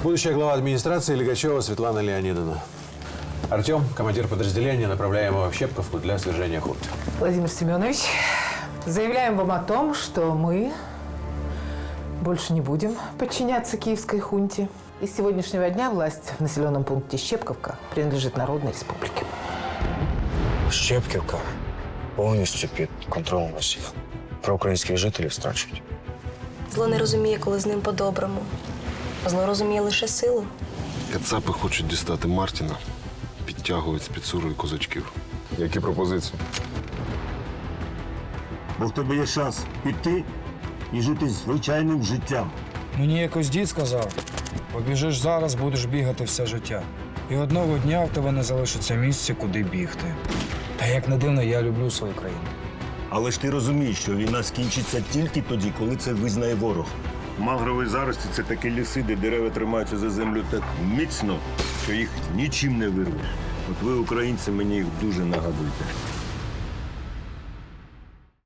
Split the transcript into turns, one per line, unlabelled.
Будущая глава администрации Лигачева Светлана Леонидовна. Артем, командир подразделения, направляем его в Щепковку для свержения хунты.
Владимир Семенович, заявляем вам о том, что мы больше не будем подчиняться киевской хунте. И с сегодняшнего дня власть в населенном пункте Щепковка принадлежит Народной Республике.
Щепківка повністю під контролем Росії. Про українських жителів страчують.
Зло не розуміє, коли з ним по-доброму. Зло розуміє лише силу.
Кацапи хочуть дістати Мартіна, підтягують спецуру і козачків.
Які пропозиції?
Бо в тебе є шанс піти і жити звичайним життям.
Мені якось дід сказав, побіжиш зараз, будеш бігати все життя. І одного дня в тебе не залишиться місця, куди бігти. Та як не дивно, я люблю свою країну.
Але ж ти розумієш, що війна скінчиться тільки тоді, коли це визнає ворог. Мангрові зарості – це такі ліси, де дерева тримаються за землю так міцно, що їх нічим не вирвеш. От ви, українці, мені їх дуже нагадуєте.